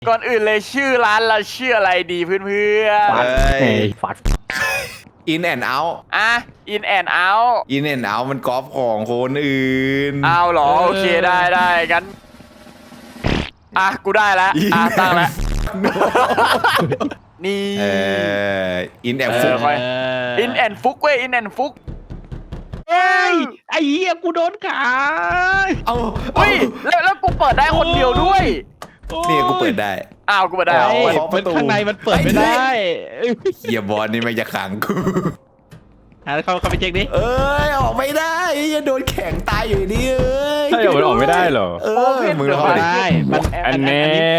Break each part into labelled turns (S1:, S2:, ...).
S1: ก่อนอื่นเลยชื่อร้านเราชื่ออะไรดีเพื่อน
S2: ฟัด
S3: In and out
S1: ๆอ่ะ In and Out
S3: In and out มันกอล์ฟของคนอื่น
S1: เอาเหรอโอเคได้งั้นอ่ะกูได้แล้วตั้งแล้วนี่
S3: In and
S1: ฟุ
S3: ฟุ
S1: ก
S3: ก
S1: In and ฟุกเว้ย In and ฟุก
S2: เฮ้ยไอ้เหี้ยกูโดนขา
S3: เอา
S1: เฮ้ยแล้วกูเปิดได้คนเดียวด้วย
S3: นี่กูเปิดได้
S1: อ้าวกูเปิดได้
S3: เอา
S2: เฮ้ย
S3: เคาะประตู
S2: ข้างในมันเปิดไม่ได้
S3: เฮียบอลนี่มันจะขังกู
S2: เขาไปเช็คดิ
S3: เอ้ยออกไม่ได้จะโดนแข็งตายอยู่นี่เอ้ย
S4: ใช่เหรอมันออกไม่ได้เหรอ
S3: มึงลอง
S2: ไม่
S3: ดิ
S2: ได้มัน
S4: อันแน่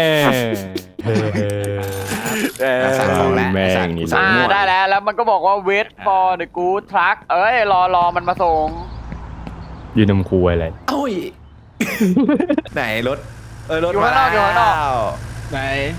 S3: สั่งของแล้ว
S4: แม่ง
S3: สั่ง
S4: นี่
S3: สั่งมั่ว
S1: ได้แล้วมันก็บอกว่า wait for the good truck เอ้ยรอมันมาส่ง
S4: ยืนนมคุยอะไร
S3: เอ้ยไหนรถรถ
S1: อยู่
S3: มา
S1: ข้างนอกอยู่ข้างนอก
S2: ไหน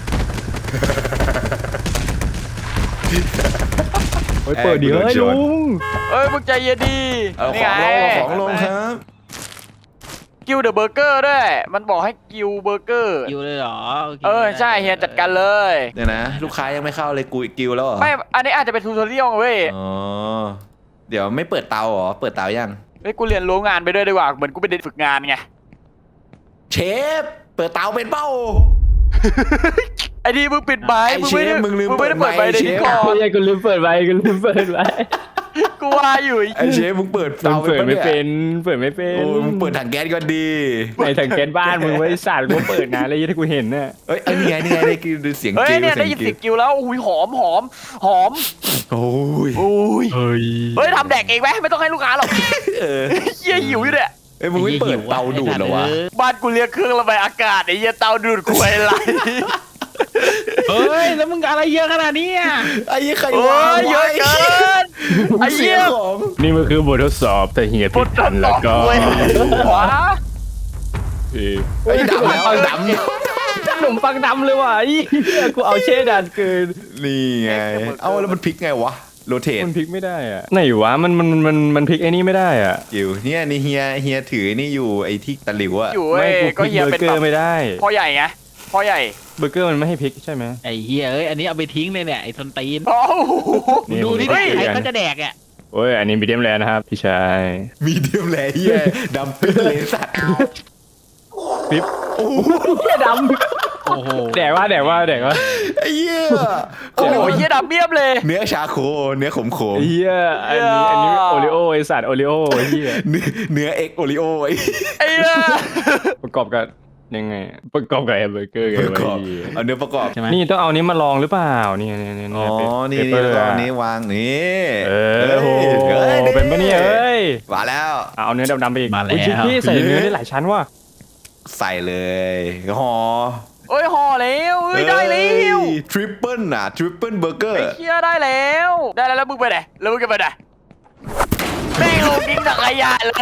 S4: เฮ้ยเปิดดิเฮ้ยลุง
S1: เอ้ยมึงใจเย็นดี
S3: เอา
S1: นี่
S3: ของ
S1: ไง
S3: ลงเอาของลงครับ
S1: กิลเดอะเบอร์เกอร์ด้วย มันบอกให้กิลเบอร์เกอร์
S2: อยู่เลยเหรอโอเค
S1: ใช่เฮียจัดการเลย
S3: เดี๋ยวนะ ลูกค้ายังไม่เข้าเลยกูกิวแล้วเหรอ
S1: ไม่อันนี้อาจจะเป็นทูตอเรียลเว้ย
S3: อ๋อเดี๋ยวไม่เปิดเตาเหรอเปิดเตายัง
S1: เฮ้ยกูเรียนรู้งานไปด้วยดีกว่าเหมือนกูเป็นเด็กฝึกงานไง
S3: เชฟเปิดเตาเป็นเป้า
S1: ไอ้ดีมึงปิดไม้
S3: ไอ้
S1: มึงไม่ได้
S3: เชฟมึงลืม
S1: ไม่ได้เปิด
S3: เปิ
S1: ไม้
S3: ดไมค์
S1: ใน
S3: เช
S1: นี้
S3: ฟ
S1: ก่อน
S4: ไม่ใช่กูลืมเปิดไว้กูลืมเปิดไว้
S1: กูว่าอยู่
S3: ไอ้เชฟมึงเปิด
S4: มั
S3: เตาน
S4: เปิดไม่
S3: ย
S4: เป็นเปิดไม่เป็
S3: โอ้
S4: น
S3: มึงเปิดถังแก๊สก่อนดี
S4: ในถังแก๊สบ้านมึงไว้สัตว์กูเปิดนานเลยที่กูเห็นน่ะ
S3: เอ้ยไอ้นี่ไงได้กินดูเสียง
S1: เฮ้ย
S3: กิ้ว
S1: เนี่ยได้ยินเสียงกิลแล้วอุ้ยหอม
S3: โอ้ย
S1: อุ้ย
S4: เฮ้ย
S1: เฮ้ยทำแดกเองไหมไม่ต้องให้ลูกค้าหรอก
S3: เออ
S1: เฮียหิวอยู่เนี่ย
S3: เอ้ยมึงไม่เปิดเตาดูดเหรอวะ
S1: บ้านกูเรียกเครื่องระบายอากาศไอ้เหี้ยเตาดูดควยอะไร
S2: เฮ้ยแล้วมึงอะไรเยอะขนาดนี้อ่ะ
S3: ไอ้ยี่ใคร
S1: โอ้
S3: วะ
S1: ยเยอะเกินไอ้
S3: เสี
S1: เหี้
S3: ย
S1: ย
S3: ของ
S4: นี่มันคือบททดสอบแต่เฮีย
S1: บ
S4: ผิด
S1: ทท
S4: ทั
S1: ด
S4: น
S1: ส
S4: แล้
S1: อ
S4: ว
S1: บ
S4: ก็
S1: ควยว้า
S3: ไอ้ดำแล้วด
S4: ขนมปังดำเลยว่ะไอ้เหี้ยกูเอาเช่ดันเกิน
S3: ำนี่ไงเอ้าแล้วมันพลิกไงวะโรเทต
S4: มันพลิกไม่ได้อ่ะไหนวะมันพลิกไอ้นี่ไม่ได้อ่ะ
S3: อยู่เนี่ยนี่เฮียถือนี่อยู่ไอ้ที่ตะหลิวอะ
S1: อยู่
S4: ไม่
S1: เว้ย
S4: กูพ
S1: ก็
S4: ลิก
S1: เฮีย
S4: เบอ
S1: เป็น
S4: ร์เกอ
S1: แบบ
S4: ร์ไม่ได้
S1: พ่อใหญ่ไงพ่อใหญ่
S4: เบอร์เกอร์มันไม่ให้พลิกใช่ไหม
S2: ไอ้เหี้ยเอ้ยอันนี้เอาไปทิ้งเลยเนี่ยไอ้ทนตีน
S1: โอ้โห
S4: นี่
S2: ดูที่
S4: ผม
S2: ใคร
S4: ก็
S2: เขาจะแดกอ่ะ
S4: โอ้ยอันนี้มีเดียมแรนะครับพี่ชาย
S3: มีเดียมแลเฮียดำปิ้งเลยสัตว์
S4: ปิ๊บโอ้เหี้ยดำ
S2: โอ้โห
S4: แดกว่า
S3: ไอ้เหี้ย
S1: โอ้โหเฮียดำเบี้ยมเลย
S3: เนื้อชาโคเนื้อขม
S4: เฮียอันนี้โอริโอไอสัตว์โอริโอเฮีย
S3: เนื้อเอ็กโอริโอไอ้
S1: ไอ้เหี้ย
S4: ประกอบกับยังไงประกอบกับแฮมเบอร์เกอร์ไง
S3: ประกอบ
S4: วะเหี้ย
S3: เอาเนื้อประกอบ
S2: ใช่ไหม
S4: นี่ต้องเอานี้มาลองหรือเปล่านี่
S3: อ๋อนี่
S4: เป
S3: นี่
S4: เปอร์
S3: แล้วก็
S4: อะ
S3: อันนี้วางนี่
S4: โห
S3: อ้ย
S4: เป็นปะเนี่ยเอ้ย
S3: มาแล้ว
S4: เอาเนื้อดำๆไปอีก
S2: มาแล้ว
S4: อุ๊ยพี่ใส่เนื้อได้หลายชั้นว่ะ
S3: ใส่เลยห่อ
S1: เอ้ยห่อแล้วเอ้ยได้แล้ว
S3: ทริปเปิลน่ะทริปเปิลเบอร์เกอ
S1: ไอ้
S3: ร์
S1: เฮียได้แล้วแล้วมึงไปไหนแล้วมึงจะไปไหนแม่งลงทิ้งถังขยะเลย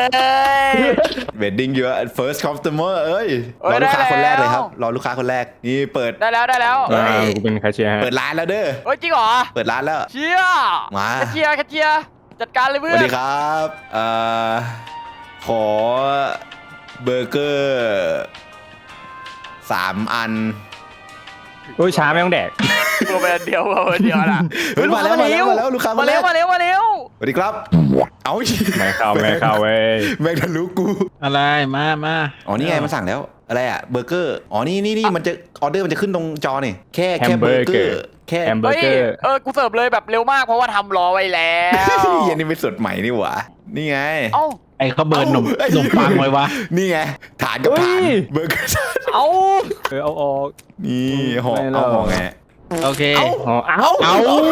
S3: เวดดิ้งเยอะ first customer เอ้ย
S1: เอ้
S3: ร
S1: ย
S3: อลูกค้า
S1: ได้
S3: คนแรกเลยครับ
S1: แล้ว
S3: รอลูกค้าคนแรกนี่เปิด
S1: ได้แล้ว
S4: กูเป็นแคชเชียร์ฮะ
S3: เปิดร้านแล้วเด้อ
S1: เฮ้ยจริงเหรอ
S3: เปิดร้านแล้ว
S1: เชี่ย
S3: มา
S1: กระเจียจัดการเลย
S3: ส
S1: เพื่อ
S3: วัน สดีครับขอเบอร์เกอร์3 อัน
S4: โอ้ยช้าไม่ต้องแดก
S1: ตัวเป็นเดียวนะ
S3: เฮ้ยมาแล้วลูกค้า
S1: มาเร็ว
S3: สวัสดีครับเอ้า
S4: ไม่เข้าเว้ย
S3: แม่งทะลุกู
S2: อะไรมา
S3: อ๋อนี่ไงมันสั่งแล้วอะไรอะเบอร์เกอร์อ๋อนี่มันจะออเดอร์มันจะขึ้นตรงจอนี่แค่เบอร์เกอร์แค่
S4: แฮมเบอ
S1: เฮ้
S4: ร์
S1: ย
S4: เกอร์
S1: กูเสิร์ฟเลยแบบเร็วมากเพราะว่าทำรอไว้แล้ว
S3: เยันนี่เป็นสดใหม่นี่หว่านี่ไง
S1: เอ้า
S2: ไอ้เขาเบิร์นนมปังไว้วะ
S3: นี่ไงฐานกับฐานเบอร์เกอร์
S1: เอ้า
S4: เอาออก
S3: นี่ห่อ
S4: ไม่หรอก
S3: เอาห่อไง
S2: โอเค
S4: เอา
S2: เอา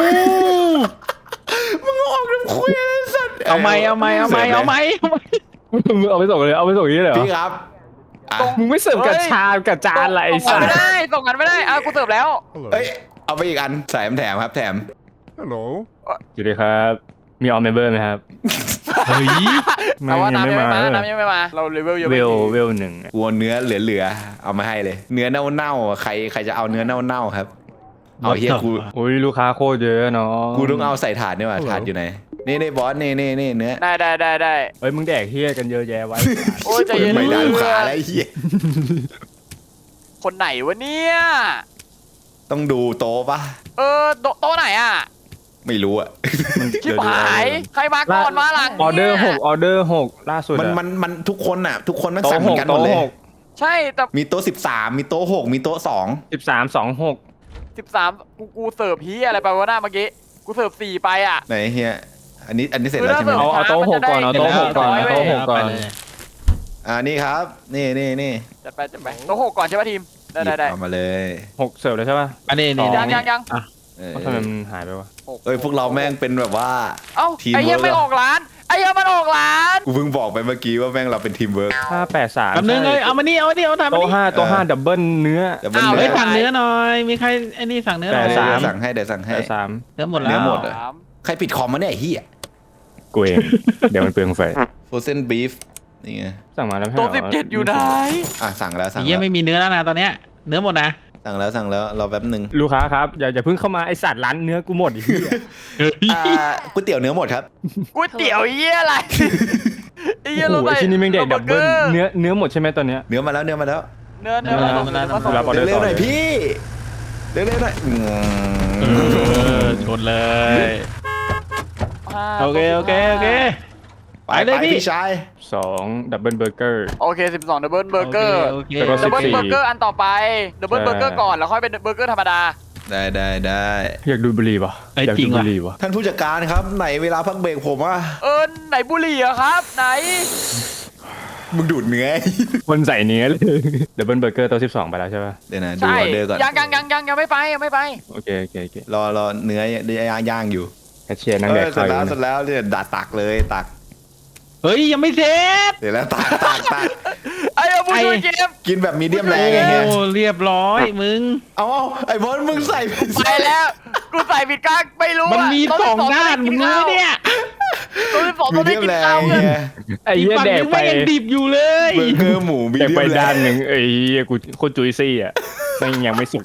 S3: มึงออกน้ำคุยอะไรสัตว์
S2: เอาไหม
S4: มึงเอาไปส่งเลยเอาไปส่งนี้เลยเหรอ
S3: พี่ครับอ่ะ
S4: มึงไม่เสิร์ฟกับชามกับจานอะไรไอ้
S1: ส่
S4: สั
S1: ง
S4: ส
S1: ไม่ได้ส่งกันไม่ได้กูเสิร์ฟแล้ว
S3: เอ้ยเอาไปอีกอันใส่แถมครับแถม
S4: อยู่ดีครับ มีออมเมมเบอร์ไหมครับ
S2: เฮ้ย
S1: แต่ว่าน้ำยังไม่มา
S4: เหรอ
S1: น้ำยังไม่มาเราเลเวลยัง
S4: เว
S1: ไม่
S4: ล
S1: ถึง
S4: เวลหนึ่ง
S3: กลัวเนื้อเหลือๆเอามาให้เลย เนื้อเน่าๆใครจะเอาเนื้อเน่าๆครับเอาเฮียกู
S4: อุ้ยลูกค้าโคตรเยอะเนาะ
S3: กูต้องเอาใส่ถาดนี่ว่ะถาดอยู่ไหนนี่บอสนี่เนื้อ
S1: ได้
S4: เฮ้ยมึงแดกเฮียกันเยอะแยะไว้
S1: โอ้ยใจเย็น
S3: ไม่ได้ลูกค้าแล้วไอ้เฮีย
S1: คนไหนวะเนี่ย
S3: ต้องดูโต๊ะปะ
S1: โต๊ะไหนอ่ะ
S3: ไม่รู้อะ
S1: ชิบหายใครมาก่อนมาหลัง
S4: ออเดอร์6ล่าสุด
S3: มันทุกคนอ่ะทุกคนมันสั่งเหมือนกันหมดเลย
S1: ใช่แต่
S3: มีโต๊ะ13มีโต๊ะ6มีโต๊ะ2
S4: 13 26
S1: 13กูเสิร์ฟพีอะไรไปวะหน้าเมื่อกี้กูเสิร์ฟ4ไปอ่ะ
S3: ไหนเฮียอันนี้เสร็จแล้วใช่ไหม
S4: เอาโต๊ะ6ก่อนเอาโต๊ะ6ก่อนเอาโต๊ะ6ก่อน
S3: นี่ครับนี่
S1: จัดไปโต๊ะ6ก่อนใช่ป่ะทีมได้
S3: เอามาเลย
S4: 6เสิร์ฟแล้วใช่ป่ะ
S2: อันนี้
S4: ส
S2: นี่
S4: อง
S1: ยัง
S4: ทำไมมันหายไปวะ
S3: เอ้ยพวกเราแม่งเป็นแบบว่า
S1: เอ้า
S3: ทีม
S1: ไอ้เหี้ย
S3: เวิร์ก
S1: ไม่ออกร้านไอ้เหี้ยมันออกร้าน
S3: กูเพิ่งบอกไปเมื่อกี้ว่าแม่งเราเป็นทีมเวิร์ก
S4: 583
S2: แป๊บนึงเลยเอามานี่เอาทำมา
S4: โต๊ะ
S2: นี่
S4: 5ดับเบิลเนื้อ
S3: แต่มัน
S2: เฮ้
S3: เนื้
S2: ย
S3: อ
S2: สั่งเนื้อหน่อยมีใครไอ้นี่สั่งเนื้อหน่อย
S4: แปดสาม
S3: สั่งให้เดี๋ยวสั่งให้
S2: เนื้อหมดแล้ว
S3: เนื้อหมดอะ
S1: สาม
S3: ใครปิดคอมมาเนี่ยไอ้เฮีย
S4: กูเอง เดี๋ยวมันเปลืองไฟ
S3: โฟเซนบีฟนี่ไง
S4: สั่งมาแล้วให้
S1: โต๊ะ
S4: เหร
S1: 17อยู่ไหน
S3: สั่งแล้วสั่ง
S2: เยี่ย
S3: แล้ว
S2: ไม่มีเนื้อแล้วนะตอนเนี้ยเนื้อหมดนะ
S3: สั่งแล้วรอแป๊บหนึ่ง
S4: ลูกค้าครับอย่าเพิ่งเข้ามาไอสัตว์ร้านเนื้อกูหมดอีก
S3: ก๋วยเตี๋ยวเนื้อหมดครับ
S1: ก๋วยเตี๋ยวเหี้ยอะไรไอ้เหี้ย
S4: โอ้
S1: เรา
S4: โห
S1: ใส่
S4: ที่นี่แม่งเด็กดับเบิลเนื้อหมดใช่ไหมตอนเนี้ย
S3: เนื้อมาแล้ว
S1: เนื้อ
S4: มาแล้ว
S1: มา
S4: ออเดอร์
S3: เร็วๆหน่อย
S4: ต่อเลย
S3: พี่เร็วๆหน่อย
S2: ชนเลย โอเค
S3: ไป
S2: ไปเลยพี่
S3: พี่ชาย
S4: 2ดับเบิลเบอร์เกอร์
S1: โอเค12ดับเบิลเบอร์เกอร์
S2: โอเค
S4: แล้วก็
S1: ดับเบิล
S4: 14
S1: เบอร์เกอร์อันต่อไปดับเบิลเบอร์เกอร์ก่อนแล้วค่อยเป็นเบอร์เกอร์ธรรมดา
S3: ได้
S4: อยากดูบุหรี่ปะอยากดูบุหรี่ปะ
S3: ท่านผู้จัดการครับไหนเวลาพักเบรกผมอ่ะ
S1: ไหนบุหรี่อะครับไหน
S3: มึงดูดเนื้อ
S4: คนใส่เนื้อเลยดับเบิลเบอร์เกอร์ตัว12ไปแล้วใช่ปะ
S3: เดี๋ยวนะดู
S1: ใช่
S3: ออเดอร์ก่อน
S1: ยังไม่ไป
S4: โอเค
S3: รอเนื้อย่างอยู่
S4: แคชเชียร์นั่งแดก
S3: เสร็
S4: ข้าว
S3: จ
S4: อยู่
S3: แล้วเนี่ยตักเลยตัก
S2: เฮ้ยยังไม่เสร็จ
S3: เดี๋ยวแล้วตัก
S1: ไอ้ผู้ช่วยเกม
S3: กินแบบมีเดียมแร
S2: โอ้
S3: งไงเงี้ย
S2: เรียบร้อยมึง
S3: เอาไอ้บอลมึงใส่
S1: ไปแล้วกูใส่ผิดกางไม่รู้
S2: มันมีสองด้านมึงรู้เนี่ย
S1: ตัวที่สอง
S3: มี
S1: ตัว
S3: เดี
S1: ได้
S3: ยม
S1: กิน
S3: แรง
S1: ข้าว
S3: ไง
S1: เลย
S4: ไอ้เหี้ย
S2: ฝั่ง
S4: แดก
S2: นึง
S4: ไป
S2: แม่งยังดิบอยู่เลย
S3: เบอร์เกอร์หมูมี
S4: แดก
S3: เดียม
S4: ไป
S3: แร
S4: ด้าน
S3: ง
S4: หนึ่งไอ้เหี้ยกูโคตรจุยซี่อ่ะแม่งยังไม่สุก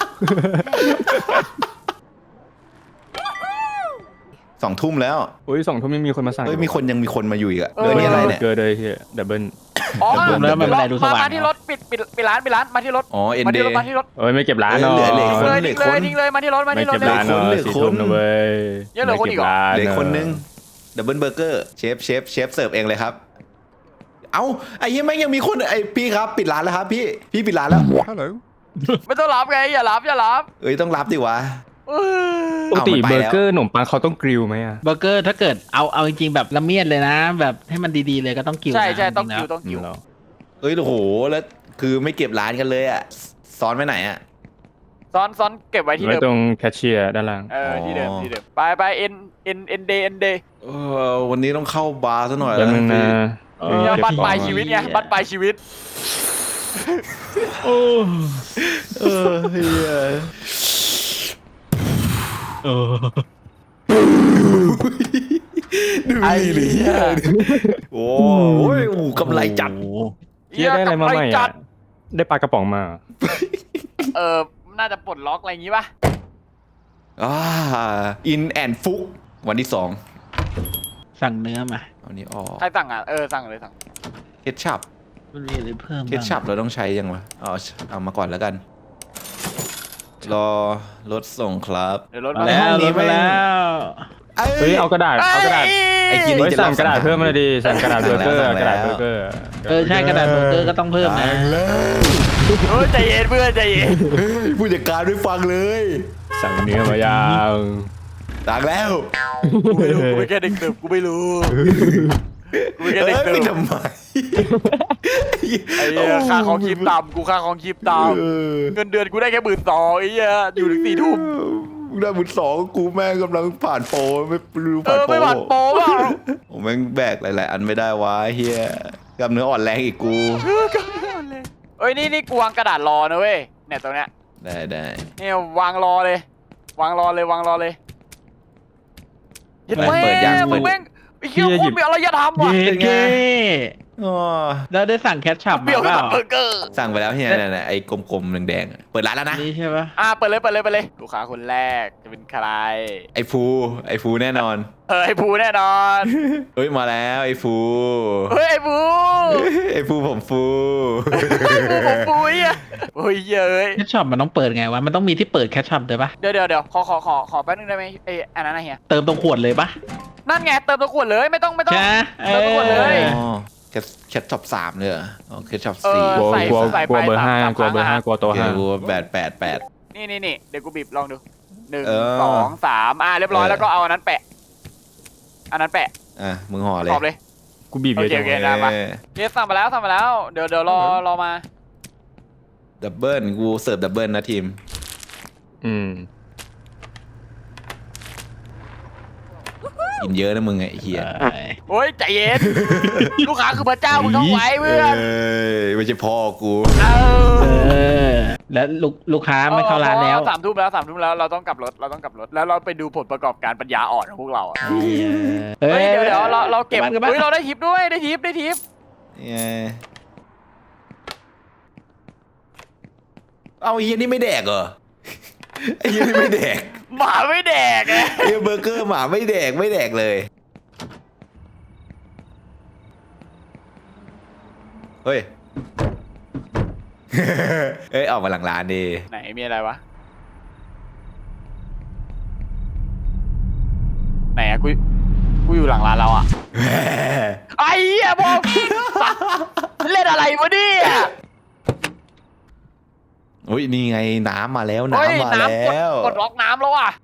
S3: 2 ทุ่มแล้ว
S4: โอ้ย2 ทุ่มยังมีคนมาสั่ง
S3: เฮ้ยมีคนมาอยู่อีกอะเดี๋ยวนี้อะไรเนี่ย
S4: เกิดเลยเฮียดับเบิล
S1: อ๋อ
S2: แล้วมันเป็นไรดูสว่าง
S1: มาที่รถปิดร้านมาที่รถ
S3: อ๋อเอ็น
S1: มา
S3: เด
S1: ที่รถมาที่รถ
S4: เอ้ยไม่เก็บร้าน
S3: เอ้ย
S4: เนาะ
S3: เหลือ
S1: ทิ้งเลยมาที่รถ
S4: ไม่เก็บร้านเนาะ
S3: เหลือ
S4: สี่
S3: คน
S4: ทุ่มนะเว้ย
S1: ยังเหลือคนอีกเหรอ
S3: เหลือคนนึงดับเบิลเบอร์เกอร์เชฟเสิร์ฟเองเลยครับ เอ้าไอ้เหี้ยแม่งยังมีคนไอ้พี่ครับปิดร้านแล้วครับพี่ปิดร้านแล้ว
S1: ไม่ต้องรับไงอย่ารับ
S3: เอ้ยต้องรับดิวะ
S4: ปกติ
S3: เอามันไป
S4: เบอ
S3: แล้ว
S4: ร์เกอร์ขนมปังเขาต้องกริลไหมอ่ะ
S2: เบอร์เกอร์ถ้าเกิดเอาจริงๆแบบละเมียดเลยนะ แบบให้มันดีๆเลยก็ต้องกิว
S1: ใช่
S2: นะ
S1: ต้อง
S2: จริ
S1: กิ้ว
S2: ๆ
S1: ต้องกิ้ว
S4: เหรอ
S3: เอ้ยโอ้โหแล้วคือไม่เก็บร้านกันเลยอ่ะซ้อนไปไหนอ่ะ
S1: ซ้อนเก็บไว้ที่
S4: ไว้
S1: เดิม
S4: ตรงแคชเชียร์ด้านล่าง
S1: ที่เดิมไปเอ็นเดย์
S3: วันนี้ต้องเข้าบาร์ซะหน่อย
S4: แล้วมึงนะ
S1: บัตรปลายชีวิตไงบัตรปลายชีวิต
S2: โอ้
S3: เฮีย
S2: เออ
S3: ดูนี่เลยโอ้ยกำไรจัด
S4: เฮียได้อะไรมาใหม่อ่ะได้ปลากระป๋องมา
S1: น่าจะปลดล็อกอะไรอย่างงี้ป่ะ
S3: อินแอนฟุกวันที่
S2: สั่งเนื้อมา
S3: 2วันนี้ออก
S1: ใครสั่งอ่ะสั่งเลยสั่ง
S3: เคชชัพ
S2: มันมีอะไรเพิ่ม
S3: เคชชัพเราต้องใช้ยังวะเอามาก่อนแล้วกัน รอรถส่งครับ
S1: เดี๋ยวรถ
S2: มา
S1: มา
S2: แล้ว
S3: ห้องนี้
S2: มาแล้ว
S4: เฮ้ยเอากระดาษ
S3: ไอ้กิน
S4: เฮ้ยสั่งกระดาษเพิ่มมาเลยดิสั่งกระดาษเบอร์เกอร์กระดาษเบอร์เกอร์
S2: ใช่กระดาษเบอร์เกอร์ก็ต้องเพิ่มนะ
S1: ใจเย็นเพื่อนใจเย็น
S3: ผู้จัดการไม่ฟังเลย
S4: สั่งเนื้อมายัง
S3: ต่างแล้ว
S1: กูไม่แค่เด็กเติบกูไม่รู้กูไม่แค่เด็กเติ
S3: ไม่
S1: บ
S3: ทำไม
S1: ไอ้ค่าของคลิปต่ำกูค่าของคลิปต่ำเงินเดือนกูได้แค่12,000ไอ้เหี้ยอยู่ถึง4 ทุ่ม
S3: ได้บุญ2กูแม่งกำลังผ่านโปรไม่รู้ผ่านโปร
S1: ไม่หวัดโป๊ะเปล่า
S3: ผมแม่งแบกหลายๆอันไม่ได้วะเฮียกล้ามเนื้ออ่อนแรงอีกกู
S1: เอ้ยนี่กูวางกระดาษรอนะเว้ยเนี่ยตรงเนี้ย
S3: ได้
S1: เนี่ยวางรอเลยวางรอเลยเย็ดแม่
S3: เปิดยัง
S1: มึงแม่งไอ้เหี้ยโคตรมีอารยธรรมว่ะ
S2: เย้เก้
S3: อ๋อ
S4: แล้วได้สั่งแคชชัพ
S1: เปรี้ยว
S4: มาเป
S1: กับ
S4: ล่า
S1: เบอร์เกอร์
S3: สั่งไปแล้วเฮียนั่นไอ้กลมๆแดงๆอะเปิดร้านแล้วนะ
S4: นี่ใช่ปะ
S1: เปิดเลยลูกค้าคนแรกจะเป็นใคร
S3: ไอ้ฟูแน่นอน
S1: ไอ้ภูแน่นอน
S3: เฮ้ยมาแล้วไอ้ฟู
S1: เฮ้ยไอ้ภู
S3: ไอ้ฟูผมฟู
S1: ผมภูอ่ะโอ้ยเย้ย
S4: แคชชัพมันต้องเปิดไงวะมันต้องมีที่เปิดแคชชัพด้วยปะ
S1: เดี๋ยวขอแป๊บนึงได้ไหมไอ้อันนั้นนะเฮีย
S4: เติมตรงขวดเลยปะ
S1: นั่นไงเติมตัวขวดเลยไม่ต้อง
S4: ใช่ไหม
S1: เติมตรงขวดเลย
S3: อ๋อแคทช็อป3เลยเหรออ๋อแคทช็อป
S1: เออ
S3: 4
S2: กลัว
S1: ใส่
S2: กลัว
S1: ไป
S2: เบอร์
S1: สาม
S2: ห้า
S1: สาม
S2: กลัวเบอร์
S1: ครั้
S2: ห้าง กลัวตัว
S3: เดี๋
S2: ห้า
S3: ยว888
S1: นี่เดี๋ยวกูบีบลองดู1
S3: เออ
S1: 2 3เรียบร้อยแล้วก็เอาอันนั้นแปะ
S3: อ่ะมึงห่อเลย
S1: ขอบเลย
S2: กูบีบเยอะจัง
S1: โอเค
S2: วะ
S1: นะมา เคสสั่งมาแล้วเดี๋ยวรอมา
S3: ดับเบิลกูเสิร์ฟดับเบิลนะทีม
S2: อืม
S3: กินเยอะนะมึงไอ้เหี้ย
S1: โอ้ยใจเย็น ลูกค้าคือพระเจ้ามึงต้องไหวเพื่อน
S3: ไม่ใช่พ่อกู
S1: เอ
S4: เออแล้วลูกค้าไม่เข้าร้านแล้ว
S1: 3 ทุ่มแล้วเราต้องกลับรถแล้วเราไปดูผลประกอบการปัญญาอ่อนของพวกเราอะ
S4: เฮ้
S1: เฮ้ยเดี๋ยวเราเก็บ
S4: กลับบ้าน
S1: เฮ้ยเราได้ทิปด้วยได้ทิป
S3: เอาไอ้เหี้ยนี่ไม่แดกเหรอไอ้เหี้ยนี่ไม่แดก
S1: หมาไม่แดกไง
S3: ไอ้เบอร์เกอร์หมาไม่แดกเลยเฮ้ย เอ้ยออกมาหลังร้านดิ
S1: ไหนมีอะไรวะไหนอะกูอยู่หลังร้านเราอะไอ้เหี้ยบอกเล่นอะไรวะเนี่ย
S3: อุ้ยนี่ไงน้ำมาแล้ว
S1: เฮ้ย
S3: น้ำมาแล้ว
S1: กดล็อกน้ำแล้วอ่ะ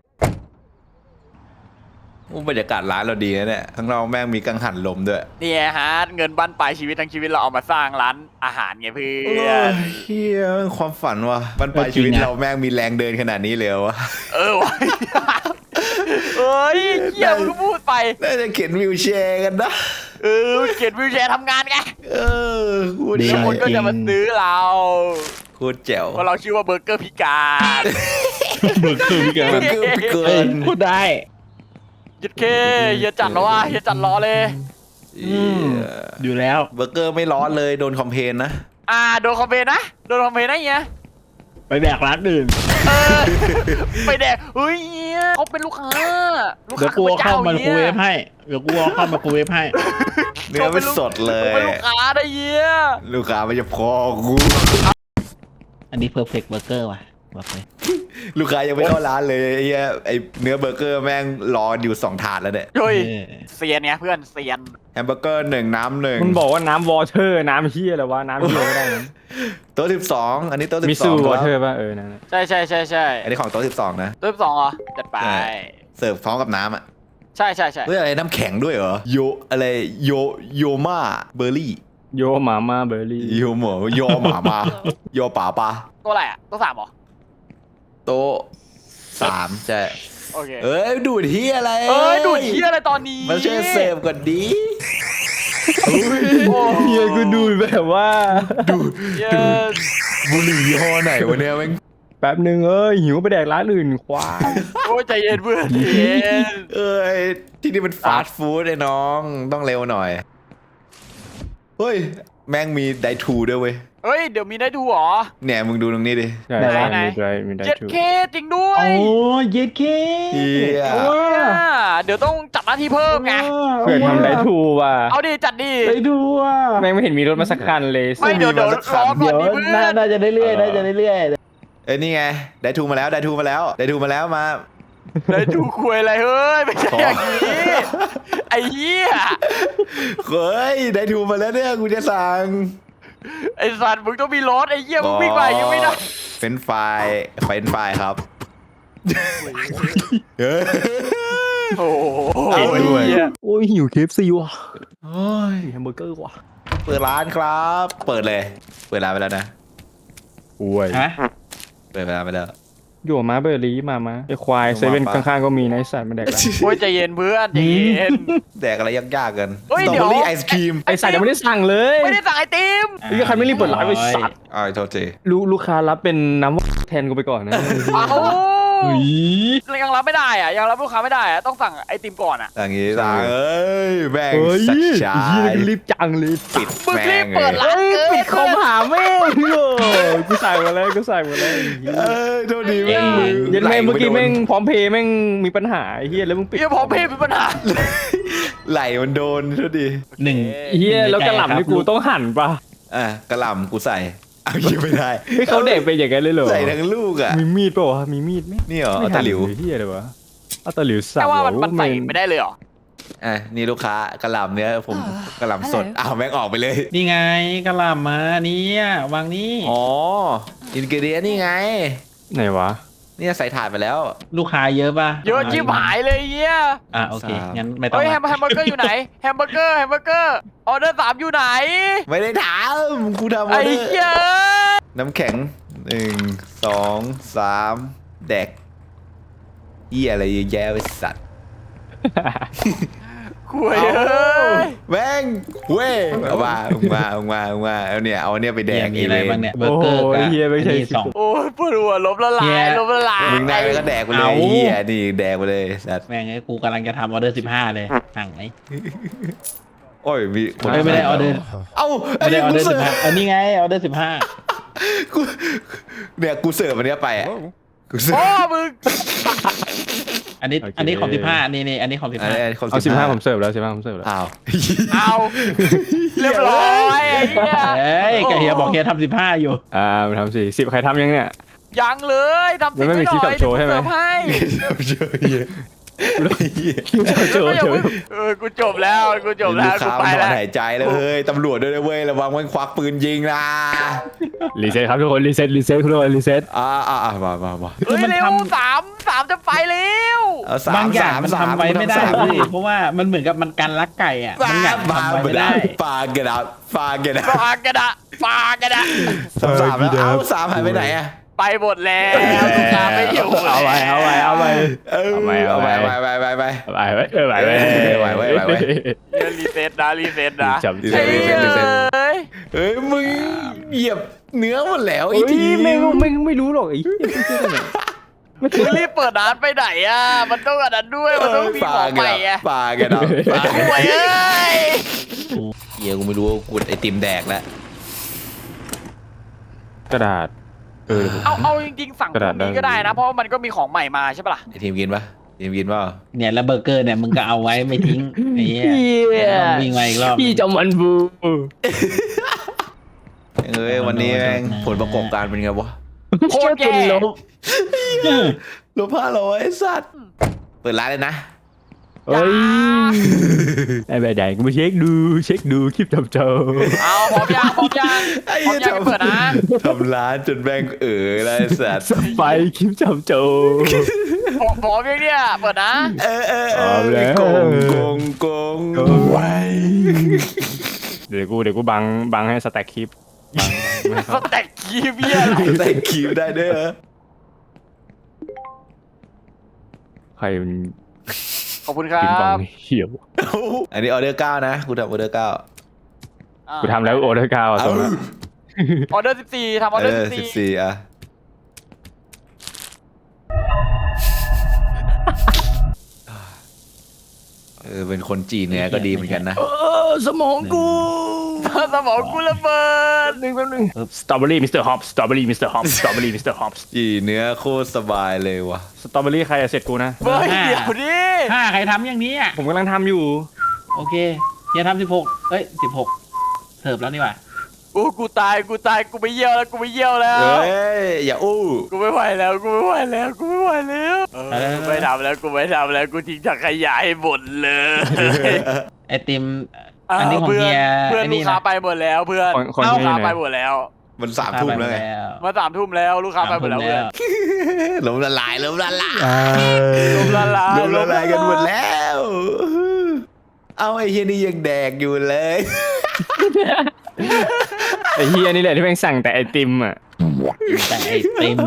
S3: บรรยากาศร้านเราดีนะเนี่ยข้างนอกแม่งมีกังหันลมด้วย
S1: เนี่ยฮะเงินบั้นปลายชีวิตทั้งชีวิตเราเอามาสร้างร้านอาหารไงเพื่อน
S3: เฮียความฝันว่ะบรรปลายชีวิตเราแม่งมีแรงเดินขนาดนี้เลยเหรอวะ
S1: วะเอ้ยเหี้ยมึงก็พูดไป
S3: น่าจะเข็นวิวแชร์กันนะ
S1: เขียนวิวแชร์ทำงานไง
S3: เออกู
S4: ดี
S1: ทุกคนก็จะมาซื้อเรา
S3: กูแจ๋ว
S1: เพราะเราชื่อว่าเบอร์เกอร์พิการ
S2: เบอร์เกอร์พี่แก
S3: มันคือพิเกิ
S4: เฮ้ย
S3: น
S4: พูดได้
S1: ยึดเคเฮียจัดแล้วว่ะเฮียจัดล้อเลย
S4: อยู่แล้ว
S3: เบอร์เกอร์ไม่ร้อนเลยโดนคอมเพลนนะ
S1: โดนคอมเพลนนะเฮีย
S4: ไปแดกร้านอื่น
S1: ไปแดกเฮ้ยเฮียเขาเป็นลูกค้า
S4: เดี๋ยวกูเอาเข้ามาคูเวฟให้เดี๋ยวกูเอาเข้ามาคูเวฟให้
S3: เนื้อไม่สดเลย
S1: เขาเป็นลูกค้าได้เฮีย
S3: ลูกค้าไม่จะพอกู
S4: อันนี้เพอร์เฟกต์เบอร์เกอร์ว่ะบอกเลย
S3: ลูกค้ายังไม่เข้าร้านเลยไอ้เหี้ยไอ้เนื้อเบอร์เกอร์แม่งรออยู่2 ถาดแล้วเนี่ย
S1: เฮ้ย
S4: เออ
S1: เซียนไงเพื่อนเซียน
S3: แฮมเบอร์เกอร์1น้ำ1
S2: มันบอกว่าน้ำวอเตอร์น้ำเฮียอะไรวะน้ำเฮียก็ได้นะ
S3: โต๊ะ12อันนี้โต๊ะ12
S2: มิซู
S3: คว
S2: อ
S3: รับ
S2: เตอร์ป่ะนั่นน่ะ
S1: ใช่
S3: อันนี้ของโต๊ะ12นะ
S1: ตัวที่2เหรอจัดไป
S3: ใช่เสิร์ฟพร้อมกับน้ำอ่ะ
S1: ใช่
S3: เฮ้ยอะไรน้ำแข็งด้วยเหรอโยมาเบอร์รี่
S2: โยหมามาเบอร์รี่
S3: โยหมูโยหมามาโยป่าปลา
S1: ตัวอะไรอ่ะตัว3เหรอ
S3: โต๊ะ3ใช่
S1: โอเค
S3: เอ้ยดูดที่อะไร
S1: ดูดเฮียอะไรตอนนี้
S3: มาช่วยเสิร์ฟก่อนดี
S1: โอ้
S2: เฮียกูดูแบบว่า
S1: เฮีย
S3: บุหรี่ยี่ห้อไหนวะเนี่ยแม่ง
S2: แป๊บนึงหิวไปแดกร้านอื่นควาย
S1: โอ้ยใจเย็นเพื่อนใจเย็น
S3: เอ้ยที่นี่มันฟาสต์ฟู้ดไอ้น้องต้องเร็วหน่อยเฮ้ยแม่งมีไดทูด้วยเว้ย
S1: เฮ้ยเดี๋ยวมีได้ดูเหรอ
S3: เนี่ยมึงดูตรงนี้ดิ
S2: ใช่
S1: ไหน
S2: มีได้
S1: เจ็ด
S2: ถูก
S1: เคจริงด้ว
S4: โอ้
S1: ย
S4: เย็ดเค
S3: เฮีย
S1: เดี๋ยวต้องจัดหน้าที่เพิ่มไง
S2: เพื่อทำได้ถูกว่ะ
S1: เอาดิจัดดิ
S4: ไปดูอ่ะ
S2: แม่งไม่เห็นมีรถมาสักคันเลย
S1: ไม่เดี๋ยวรอก่อน
S4: เดี๋ยว
S1: ดิเพื่อน
S4: น่าจะได้เรื่อยน่าจะได้เรื่อย
S3: เอ้ยนี่ไงไดทูมาแล้วไดทูมาแล้วมา
S1: ได้ดูคุยอะไรเฮ้ยไม่ใช่อย่างนี้ไอ้เหี้ย
S3: เฮ้ยไดทูมาแล้วเนี่ยกูจะสั่ง
S1: ไอ้สัตว์มึงต้องมีรถไอ้เหี้ยมึงวิ่งไปยังไม่ได้
S3: เป็นไฟล์ครับเฮ้ย
S1: โอ้โห
S2: เอาด้วย
S1: เหี้ย
S2: โอ้ยหิวเคฟซีว่ะ
S3: โอ้ย
S2: แฮมเบอร์เกอร์ว่ะ
S3: เปิดร้านครับ เปิดเลยเปิดร้านไปแล้วนะ
S2: โอ้ย
S4: ฮะ
S3: เปิดร้านไปแล้ว
S2: อยู่มาเบอร์รี่มาไอควายเซเว่นข้างๆก็มีนะไอสัตว์มาแดกร้าน
S1: โอ้ยใจเย็นเพื่อนใจเย็น
S3: แดกอะไรยากๆกัน
S1: เฮ้ย
S3: สตรอ
S1: เดี๋ยว
S3: เบอรี่ไอศครีม
S2: ไอสัตว์ยังไม่ได้สั่งเลย
S1: ไม่ได้สั่งไอติม
S2: ไอ้ใครไม่รีบเปิดร้านไปสัตว์
S3: อ้าวโทษที
S2: ลูกค้ารับเป็นน้ำแทนกูไปก่อนนะ
S1: เอายังรับไม่ได้อ่ะยังรับลูกค้าไม่ได้อ่ะต้องสั่งไอติมก่อนอ่ะ
S3: อย่างงี้สั่งเอ้ยแม่ง
S4: เฮ้ย
S3: สักชา
S4: เฮีย
S3: ย
S4: รีบจังเลย
S3: ปิด
S1: มึง
S3: แม่
S1: รี
S3: ง
S1: บเปิด
S3: เลย
S1: ร้านเกิน
S4: ปิดคอมหาแม่งโอ้กูใส่มาแล้วกูใส่มาแล้ว
S3: โทษดีแม่ง
S4: ยัน
S3: ไหล
S4: แม่งเมื่อกี้
S3: ไโดน
S4: แม่งพร้อมเพย์แม่งมีปัญหาไอ้เฮียแล้วมึงปิด
S1: เฮียพอเพย์เป็นปัญหา
S3: ไหลมันโดนโทษดี
S2: หนึ่ง
S4: เฮียแล้วกระหล่ำนี่กูต้องหั่นปะ
S3: อ่ะกระหล่ำกูใส่เอายิงไม่ได้
S4: ไม่เขาเด็กเป็นอย่างนั้นเลยเหรอ
S3: ใส่ทั้งลูกอ่ะ
S4: มีมีดปะวะมีมีดไหม
S3: นี่เหรอ
S4: ไม่
S3: เอาตะหลิว
S4: เฮียเลยวะเอาตะหลิวสับ
S1: แต่ว่า
S4: เหรอ
S1: มันใส่ไม่ได้เลยเหรอ
S3: อ่ะนี่ลูกค้ากระหล่ำเนี้ยผมกระหล่ำสดอ้าวแม่งออกไปเลย
S2: นี่ไงกระหล่ำมาเนี่ยวางนี่
S3: อ๋ออินกิเดียนี่ไง
S4: ไหนวะ
S3: เนี่ยใส่ถาดไปแล้ว
S2: ลูกค้าเยอะป่ะ
S1: เยอะชิบหายเลยเฮีย
S2: โอเค
S3: สาม
S2: งั้นไม่ต้อง
S1: เฮ้ยแฮ
S2: ละ
S1: มเบอร์เกอร์อยู่ไหนแฮมเบอร์เกอร์ออเดอร์3อยู่ไหน
S3: ไม่ได้ถามกูทำอ
S1: ไอ้
S3: อเดอ
S1: เหี้ย
S3: ร์น้ำแข็ง1 2 3แดกเหี้ยอะไรเยอะแยะไอ้สัตว์
S1: คุยเอ้ย
S3: แม่งเว้ยเอามาเอาเนี่ยเอาเนี่ยไปแด
S2: เนี่ย
S3: ก
S2: มีอะไรบ้างเนี่ยเบอร์เกอร์
S4: โอ้
S2: กับ
S4: ยเฮียไม่ใช่
S2: อันนี้สอง
S1: โอ้ยปวดหัวล้มละลา
S2: เหี้
S1: ย
S2: ย
S1: ล้มละลาย
S3: มึงได้ไปก็แดกไปเลย
S2: เอา
S3: เหี้ยนี่แดกไปเลยสัตว์
S2: แม่งไอ้กูกำลังจะทำออเดอร์15เลยสั่งไหม
S3: โอ้ยมีคน
S2: ไม่ได้ออเดอร์
S3: เอ้า
S2: ไม่ได้ออเดอร์
S3: กูสิฟ
S2: 15อันนี้ไงออเดอร์
S3: กูเนี่ยกูเสิร์ฟอันเนี้ยไปอ่ะกูเสิร์
S1: โอ้
S3: ฟ
S1: มึง
S2: 15อันนี้ของ15นี่อันนี้ของ
S3: อัน
S2: 15
S3: นี้คน
S4: เอา15ผมเสิร์ฟแล้ว15ผมเสิร์ฟแล้ว
S3: อ้าว
S1: เอาเรียบร้อยไอ้เหี้ย
S2: เอ้ยกะเฮียบอกเฮียทำ15อยู่
S4: มาทำสิ10ใครทำยังเนี่ย
S1: ยังเลยทำ
S4: ยังไม่มีคลิปแบบโชว์ใช่ไหม
S1: เสิร์ฟให้
S3: เจอเหี้ย
S4: โจโจ
S1: กูจบแล้วกู
S3: ลู
S1: ไป
S3: กค้ามันถอ
S1: แล้
S3: น
S1: ว
S3: หายใจแล้วเฮ้ยตำรวจด้วยนะเว้ยระวังมันควักปืนยิงนะ
S4: รีเซ็ตครับทุกคนรีเซ็ตทุกคนรีเซ็ต
S3: มา
S1: เฮ้ยเร็วสามจะไปเร็ว
S3: เอาสา
S2: บาม งอย่างมัน
S3: สาม
S2: ทำไว้ไม่ได้
S3: สาม
S2: พี่เพราะว่ามันเหมือนกับมันกันลักไก่อ่ะมันอยาก
S3: มา
S2: ทำไว้ไม่ได้
S3: ฟาเกดับ
S1: ฟากระดะ
S3: สามแล้วเอาสามหายไปไหนอ่ะ
S1: ไปหมดแล้วลูกค้าไม่อยู่
S4: เอาไป
S3: เอาไปไป
S1: เดี๋ยวรีเซ็ตนะ
S4: จับ
S1: เฮ้ยเอ้ย
S3: เฮ้ยมึงเหยียบเนื้อหมดแล้วไอ้
S4: ไอ้
S3: ที
S4: ทีไม่รู้หรอกไอ้
S1: มึงรีบเปิดร้านไปไหนอ่ะมันต้องอันนั้นด้วยมันต้องมีของใหม่อ่ะ
S3: ฟาเกดับ
S1: ห่วยเอ้ย
S3: เฮียกูไม่รู้ว่ากูไอติมแดกแล้ว
S4: กระดาษ
S1: เอาจริงๆสั่งตรงนี้ก็ได้นะเพราะมันก็มีของใหม่มาใช่ปะล่ะ
S3: ไอทีมกินปะทีมกินปะ
S2: เนี่ยแล้วเบอร์เกอร์เนี่ยมึงก็เอาไว้ไม่ทิ้งไอ้เหี้ยต้องวิ่งมาอีกรอบ
S4: พี่จอมันบู
S3: เอ้ยวันนี้แม่งผลประกอบการเป็นไงวะ
S1: โคตรแย่
S3: ลบ500ไอ้สัตว์เปิดร้านเลยนะ
S4: เฮ้ยไอ้แบบใหญ่กูมาเช็คดูคลิปจับเจอ
S1: เอาพร้อมยังพร้อมยัง
S3: ไอ้
S1: พร้อ
S3: เหี้
S1: ม
S3: ย
S1: ยังไปเปิดนะ
S3: ทำร้านจนแม่งแล้วไอ้สัตว์
S4: สไปคลิปจับเจอ
S1: พร้อมยังเนี่ยเปิดนะ
S4: เอาแล้ว
S3: โกง
S4: ไว้เดี๋ยวกูบังให้สแต็กคลิปบัง
S1: สแต็กคีเบียอะไร
S3: ใส่คิวได้ด้วยเหรอ
S4: ใครมัน
S1: ขอบคุณครั
S4: กินบั
S1: บ
S4: งเหี่ยว
S3: อันนี้ออเดอร์9นะกูทำออเดอร์9
S4: กูทำแล้วโอเดอร์กาวอ่ะตรงนั้น
S1: ออเดอร์14ทำออเดอร์14
S3: 14อ่ะเป็นคนจีนเนี่ยก็ดีเหมือนกันนะ
S4: สมองกู
S1: สมองกูระเบิด
S4: แป๊บนึงสตรอเบอรี่มิสเตอร์ฮอปสตรอเบอรี่มิสเตอร์ฮอปสตรอเบอรี่มิสเตอร์ฮอป
S3: จีเนื้อโคตรสบายเลยว่ะ
S4: สตรอเบอรี่ใครเสร็จกูนะ
S1: เฮ้ยเดี๋ยวดิ
S2: ใครทำอย่างนี้อ่ะ
S4: ผมกำลังทำอยู่
S2: โอเคเฮียทำ16เอ้ย16เสิร์ฟแล้วนี่หว่า
S1: กูตายกูไม่เยี่ยวแล้วกู
S3: อย่าอู้
S1: กูไม่ไหวแล้วกูไม่ไหวแล้วกูไม่ทำแล้วกูทิ้งถังขยะให้หมดเลย
S2: ไอติมอันนี้ของเฮีย
S1: เพื่อนลูกค้าไปหมดแล้วเพื่อน
S4: คน
S1: ลูก
S4: ที่
S1: ค้า
S4: ไหน
S1: ไปหมดแล้ว
S3: มัน3 ทุ่มแล้วไง
S1: มา3 ทุ่มแล้วลูกค้าไปหมดแล้วเพื่อน
S3: ล้มละลาย
S1: ลมละลาย
S3: กันหมดแล้ว เอาไอ้เฮียนี่ยังแดกอยู่เลย
S4: ไอ้เฮียนี่แหละที่แม่งสั่งแต่ไอติมอ่ะ
S2: แต่ไอติม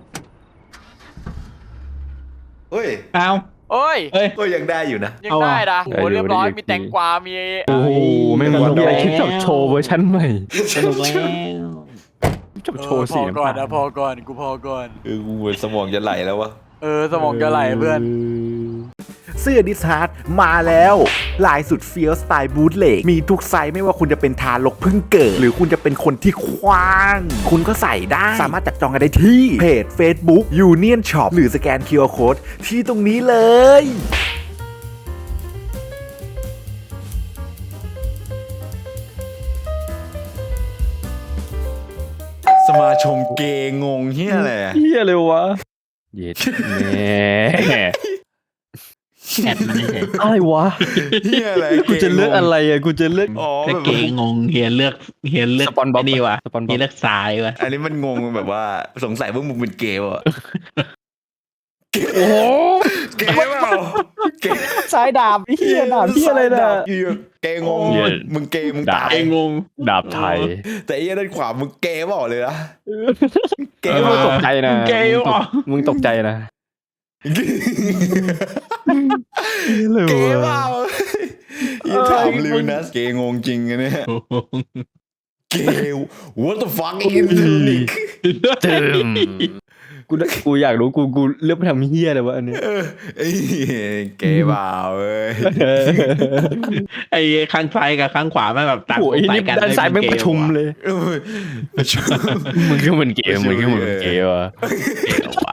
S3: เฮ้ย
S2: เอา
S1: โอ้ย
S2: เฮ้ย
S3: ก็ยังได้อยู่นะ
S1: ยังได้นะโอ้เรียบร้อยมีแตงกวามี
S4: โอ้โหแม่งมีไอคลิปจับโชว์เวอร์ชันใหม่
S2: สนุกแล้ว
S4: จับโชว์สี
S1: พอ
S4: น้ำ
S1: ก่อน
S4: ตาล
S1: นะพอก่อนกูพอก่อน
S3: กูเหมือนสมองจะไหลแล้ววะ
S1: สมองจะไหลเพื่อน
S5: เสื้อดิสฮาร์ดมาแล้ว ลายสุดเฟี้ยวสไตล์บูทเลกมีทุกไซส์ไม่ว่าคุณจะเป็นทารกเพิ่งเกิด หรือคุณจะเป็นคนที่คว้าง คุณก็ใส่ได้ สามารถจัดจองกันได้ที่เพจ Facebook Union Shop หรือสแกน QR Code ที่ตรงนี้เลย
S3: สมาชมเกย์งงเฮียอะไรอะ
S4: เฮียเลยวะเย็ดแม่
S2: แอดมันเฉย
S4: อะไรวะ
S3: เฮียอะไร
S4: กูจะเลือกอะไรอ่ะกูจะเลือก
S3: อ๋อ
S2: แต่
S3: แบบ
S2: เก๋งงเฮียเลือก
S4: สปอนบ๊อบ
S2: ไนี่วะ
S4: สปอนบ๊อบ
S2: เฮียเลือกทรายวะ
S3: อันนี้มันงงแบบว่าสงสัยว่ามึงเป็นเกย์อ่ะ
S4: โอ้โห
S3: เกย์เปล่าเกย์
S4: สายดาบเฮียดาบเฮียอะไรน่ะ
S3: เกย์งง
S4: เหี้ย
S3: มึงเกย์มึง
S4: ดาบ
S3: ตาย
S2: งง
S4: ดาบไทย
S3: แต่ไอ้เหี้ยด้านขวามึงเกย์เปล่าเลยนะเก
S4: เอ
S3: ย์
S4: อ
S3: เป
S4: มึง
S3: ล่า
S4: ตกใจนะ
S2: เก๋วะ
S4: มึงตกใจนะ
S3: เกย์เปล่าอย่าถามลิวนะเกย์งงจริงอันเนี่ยเกย์ what the fuck is this
S4: กูอยากรู้กูเลือกไปทำเฮียอะไรวะอันเนี้ย
S3: เอ้ยเกย์เปล่าเว้ย
S2: ไอ้ข้างซ้ายกับข้างขวาไม่แบบต่าง
S4: โอ้ย
S2: ไป
S4: นี่
S2: กัน
S4: ด้านซ้ายแม่งประชุมเลย
S3: เออ
S4: มึงก็มันเกมมึงก็มันเกมวะ